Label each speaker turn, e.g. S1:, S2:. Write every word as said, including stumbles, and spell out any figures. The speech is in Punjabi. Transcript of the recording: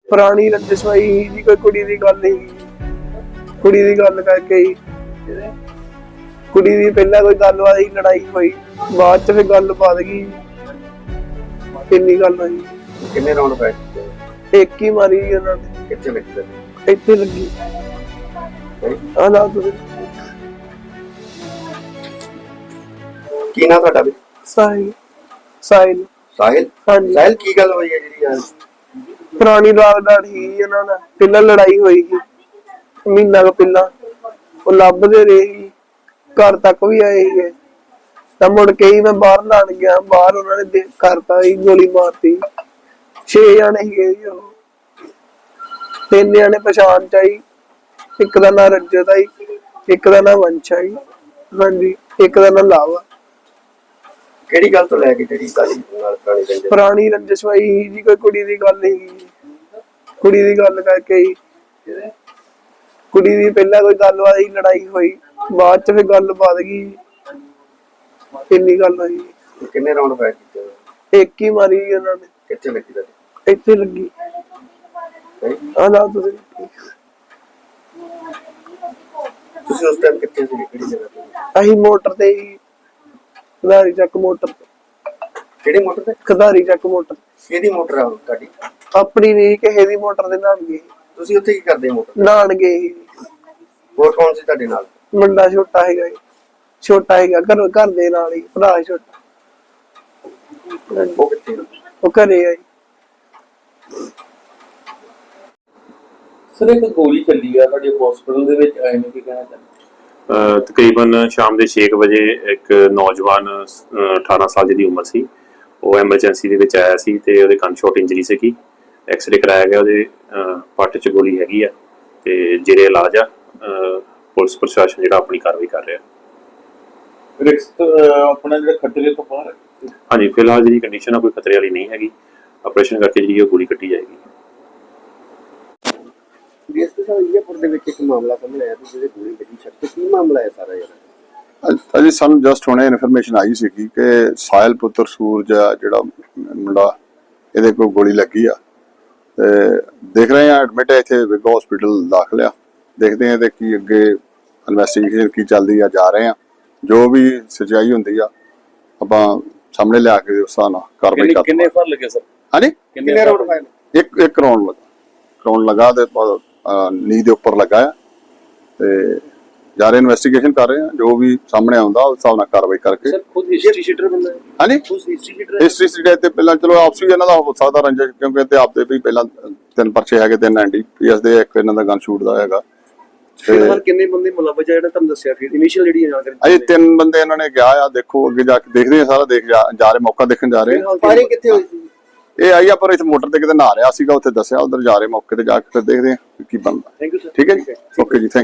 S1: ਪੁਰਾਣੀ ਰੰਜਿਸ਼ ਹੋਈ ਜੀ, ਕੋਈ ਕੁੜੀ ਦੀ ਗੱਲ ਨਹੀਂ, ਕੁੜੀ ਦੀ ਗੱਲ ਕਰਕੇ ਹੀ ਕੁੜੀ ਦੀ ਪਹਿਲਾਂ ਕੋਈ ਗੱਲਬਾਤ ਹੀ ਲੜਾਈ ਹੋਈ, ਬਾਅਦ ਚ ਫਿਰ ਗੱਲ ਵੱਧ ਗਈ। ਕਿੰਨੀ ਗੱਲ ਹੋਈ?
S2: ਕਿੰਨੇ ਰਾਉਂਡ ਪਏ?
S1: ਇੱਕ ਹੀ ਮਾਰੀ ਉਹਨਾਂ ਨੇ।
S2: ਕਿੱਥੇ ਲੱਗੀ?
S1: ਇੱਥੇ ਲੱਗੀ। ਆ ਨਾ ਤੁਸੀਂ
S2: ਕੀ ਨਾਂ ਤੁਹਾਡਾ ਵੀ?
S1: ਸਾਹਿਲ। ਸਾਹਿਲ।
S2: ਸਾਹਿਲ?
S1: ਹਾਂਜੀ।
S2: ਸਾਹਿਲ ਕੀ ਗੱਲ ਹੋਈ ਹੈ ਜਿਹੜੀ ਯਾਰ?
S1: ਪੁਰਾਣੀ ਲਾਗਡਾਟ ਹੀ ਇਹਨਾਂ ਨਾਲ ਪਹਿਲਾਂ ਲੜਾਈ ਹੋਈ ਸੀ ਮਹੀਨਾ ਕੁ ਪਹਿਲਾਂ। ਉਹ ਲੱਭਦੇ ਰਹੇ ਸੀ, ਘਰ ਤੱਕ ਵੀ ਆਏ ਸੀ। ਤਾਂ ਮੁੜ ਕੇ ਹੀ ਮੈਂ ਬਾਹਰ ਲਾਣ ਗਿਆ, ਬਾਹਰ ਉਹਨਾਂ ਨੇ ਦੇਖ ਕਰਤਾ ਹੀ, ਗੋਲੀ ਮਾਰਤੀ। ਛੇ ਜਾਣੇ ਸੀਗੇ ਜੀ ਉਹ। ਤਿੰਨ ਜਾਣੇ ਪਛਾਣ ਚ ਆਈ, ਇੱਕ ਦਾ ਨਾਂ ਰੰਜਤ ਆਈ, ਇੱਕ ਦਾ ਨਾਂ ਵੰਸ਼ ਆਈ, ਹਾਂਜੀ, ਇੱਕ ਦਾ ਨਾਂ ਲਾਵਾ।
S2: ਕਿਹੜੀ ਗੱਲ ਤੋਂ ਲੈ ਕੇ ਜਿਹੜੀ ਗੱਲ ਨਾਲ ਪੁਰਾਣੀ ਰੰਜਿਸ਼?
S1: ਪੁਰਾਣੀ ਰੰਜਿਸ਼ ਹੋਈ ਜੀ, ਕੋਈ ਕੁੜੀ ਦੀ ਗੱਲ ਨਹੀਂ, ਕੁੜੀ ਦੀ ਗੱਲ ਕਰਕੇ ਹੀ ਕੁੜੀ ਦੀ ਪਹਿਲਾਂ ਕੋਈ ਗੱਲਬਾਤ ਹੀ ਲੜਾਈ ਹੋਈ, ਬਾਅਦ ਚ ਫਿਰ ਗੱਲ ਵੱਧ ਗਈ। ਕਿੰਨੀ ਗੱਲ ਹੋਈ?
S2: ਕਿੰਨੇ ਰਾਉਂਡ ਪਏ ਕੀਤੇ?
S1: ਇੱਕ ਹੀ ਮਾਰੀ ਉਹਨਾਂ ਨੇ।
S2: ਕਿੱਥੇ ਲੱਗੀ ਤੁਹਾਡੀ?
S1: ਇੱਥੇ ਲੱਗੀ। ਆ ਨਾ ਤੁਸੀਂ
S2: ਤੁਸੀਂ ਉਸ ਟਾਈਮ ਕਿੱਥੇ ਸੀ? ਕਿਹੜੀ ਜਗ੍ਹਾ ਤੇ?
S1: ਅਸੀਂ ਮੋਟਰ ਤੇ ਹੀ, ਖਦਾਰੀ ਚੱਕ ਮੋਟਰ ਤੇ।
S2: ਕਿਹੜੀ ਮੋਟਰ ਤੇ?
S1: ਖਦਾਰੀ ਚੱਕ ਮੋਟਰ।
S2: ਕਿਹਦੀ ਮੋਟਰ ਆ ਤੁਹਾਡੀ?
S1: ਆਪਣੀ ਨਹੀਂ, ਕਿਸੇ ਦੀ ਮੋਟਰ ਦੇ ਨਾਲ ਗਏ।
S2: ਤੁਸੀਂ ਉੱਥੇ ਕੀ ਕਰਦੇ ਮੋਟਰ?
S1: ਨਾਨ ਗਏ ਸੀ।
S2: ਹੋਰ ਕੌਣ ਸੀ ਤੁਹਾਡੇ ਨਾਲ?
S1: ਮੁੰਡਾ ਛੋਟਾ ਹੈਗਾ ਜੀ, ਛੋਟਾ ਹੈਗਾ ਘਰ ਘਰ ਦੇ ਨਾਲ ਹੀ, ਭਰਾ ਛੋਟਾ।
S2: ਉਹ ਕਿੱਥੇ?
S1: ਉਹ ਘਰੇ ਆ ਜੀ।
S3: ਸਰ ਇੱਕ ਗੋਲੀ ਚੱਲੀ ਆ ਤੁਹਾਡੇ ਹਸਪੀਟਲ ਦੇ ਵਿੱਚ, ਆਏ ਨੇ ਕੀ ਕਹਿਣਾ ਚਾਹੁੰਦੇ?
S4: ਤਕਰੀਬਨ ਸ਼ਾਮ ਦੇ ਛੇ ਕੁ ਵਜੇ ਇੱਕ ਨੌਜਵਾਨ ਅਠਾਰਾਂ ਸਾਲ ਦੀ ਉਮਰ ਸੀ, ਉਹ ਐਮਰਜੈਂਸੀ ਦੇ ਵਿੱਚ ਆਇਆ ਸੀ ਤੇ ਉਹਦੇ ਕੰਨ ਸ਼ਾਟ ਇੰਜਰੀ ਸੀਗੀ। ਐਕਸਰੇ ਕਰਾਇਆ ਗਿਆ, ਉਹਦੇ ਪੱਟ 'ਚ ਗੋਲੀ ਹੈਗੀ ਆ ਤੇ ਜਿਹੜੇ ਇਲਾਜ ਆ ਪੁਲਿਸ ਪ੍ਰਸ਼ਾਸਨ ਜਿਹੜਾ ਆਪਣੀ ਕਾਰਵਾਈ ਕਰ ਰਿਹਾ।
S3: ਰਿਕਸ ਆਪਣਾ ਜਿਹੜਾ ਖਤਰੇ ਤੋਂ ਬਾਹਰ ਹੈ?
S4: ਹਾਂਜੀ, ਫਿਲਹਾਲ ਜਿਹੜੀ ਕੰਡੀਸ਼ਨ ਆ ਕੋਈ ਖਤਰੇ ਵਾਲੀ ਨਹੀਂ ਹੈਗੀ। ਆਪਰੇਸ਼ਨ ਕਰਕੇ ਜਿਹੜੀ ਉਹ ਗੋਲੀ ਕੱਟੀ ਜਾਏਗੀ।
S2: ਡੀਐਸਪੀ ਸਾਹਿਬ, ਇੰਡੀਆਪੁਰ ਦੇ ਵਿੱਚ ਇੱਕ ਮਾਮਲਾ ਸਾਹਮਣੇ ਆਇਆ ਜਿਹਦੇ ਗੋਲੀ ਲੱਗੀ ਛੱਡ, ਕੀ ਮਾਮਲਾ ਹੈ ਸਾਰਾ ਯਾਰ?
S5: ਅਜੀ ਸਾਨੂੰ ਜਸਟ ਹੁਣੇ ਇਨਫੋਰਮੇਸ਼ਨ ਆਈ ਸੀ ਕਿ ਸਾਹਿਲ ਪੁੱਤਰ ਸੂਰਜ ਆ ਜਿਹੜਾ ਮੁੰਡਾ, ਇਹਦੇ ਕੋਲ ਗੋਲੀ ਲੱਗੀ ਆ ਤੇ ਦੇਖ ਰਹੇ ਆ ਐਡਮਿਟ ਹੈ ਇੱਥੇ ਵਿਗ ਹਸਪੀਟਲ ਦਾਖਲ ਆ। ਦੇਖਦੇ ਆ ਤੇ ਕੀ ਅੱਗੇ ਇਨਵੈਸਟੀਗੇਸ਼ਨ ਕੀ ਚੱਲਦੀ ਆ, ਜਾ ਰਹੇ ਆ। ਜੋ ਵੀ ਸਚਾਈ ਹੁੰਦੀ ਆ ਆਪਾਂ ਸਾਹਮਣੇ ਲਿਆ ਕੇ ਉਸ ਹਿਸਾਬ ਨਾਲ ਕਾਰਵਾਈ ਕਰਦੇ।
S3: ਕਿੰਨੇ ਫਰ ਲੱਗੇ ਸਰ?
S5: ਹਾਂਜੀ,
S3: ਕਿੰਨੇ ਰਾਉਂਡ ਪਏ?
S5: ਇੱਕ ਇੱਕ ਰਾਉਂਡ ਲੱਗਾ, ਰਾਉਂਡ ਲਗਾ ਤੇ ਨੀ ਦੇ ਉੱਪਰ ਲੱਗਾ ਆ ਤੇ ਜਾ ਰਹੇ ਇਨਵੈਸਟੀਗੇਸ਼ਨ ਕਰ ਰਹੇ ਆ। ਜੋ ਵੀ ਸਾਹਮਣੇ ਆਉਂਦਾ ਉਸ ਹਿਸਾਬ ਨਾਲ ਕਾਰਵਾਈ ਕਰਕੇ।
S3: ਸਰ ਖੁਦ ਹਿਸਟਰੀ ਸ਼ੀਟਰ ਬੰਦਾ ਹੈ?
S5: ਹਾਂਜੀ,
S3: ਖੁਦ ਹਿਸਟਰੀ ਸ਼ੀਟਰ?
S5: ਹਿਸਟਰੀ ਸੀਟੇ ਤੇ ਪਹਿਲਾਂ ਚਲੋ ਆਪਸੀ ਇਹਨਾਂ ਦਾ ਹੋ ਸਕਦਾ ਰੰਜਿਸ਼, ਕਿਉਂਕਿ ਤੇ ਆਪਦੇ ਵੀ ਪਹਿਲਾਂ ਤਿੰਨ ਪਰਚੇ ਹੈਗੇ, ਤਿੰਨ ਐਨਡੀਪੀਐਸ ਦੇ, ਇੱਕ ਇਹਨਾਂ ਦਾ ਗਨ ਸ਼ੂਟ ਦਾ ਹੈਗਾ।
S2: ਫਿਲਹਾਲ ਕਿੰਨੇ ਬੰਦੇ ਮੁਲਵਜ ਆ ਜਿਹੜਾ ਤੁਹਾਨੂੰ ਦੱਸਿਆ? ਫਿਰ ਇਨੀਸ਼ੀਅਲ ਜਿਹੜੀ ਜਾਣਕਾਰੀ
S5: ਅਜੇ ਤਿੰਨ ਬੰਦੇ ਇਹਨਾਂ ਨੇ ਗਿਆ ਆ। ਦੇਖੋ ਅੱਗੇ ਜਾ ਕੇ ਦੇਖਦੇ ਆ, ਸਾਰਾ ਦੇਖ ਜਾ ਜਾ ਰਹੇ, ਮੌਕਾ ਦੇਖਣ ਜਾ ਰਹੇ।
S2: ਫਾਇਰਿੰਗ ਕਿੱਥੇ ਹੋਈ ਸੀ?
S5: ਇਹ ਆਈ ਆ ਪਰ ਇੱਥੇ ਮੋਟਰ ਤੇ ਕਿਤੇ ਨਹਾ ਰਿਹਾ ਸੀਗਾ, ਉੱਥੇ ਦੱਸਿਆ, ਉਧਰ ਜਾ ਰਹੇ ਮੌਕੇ ਤੇ ਜਾ ਕੇ ਫਿਰ ਦੇਖਦੇ ਆ ਕੀ ਬਣਦਾ।
S2: Thank you sir.
S5: ਠੀਕ ਹੈ ਜੀ, ਓਕੇ ਜੀ, ਥੈਂਕ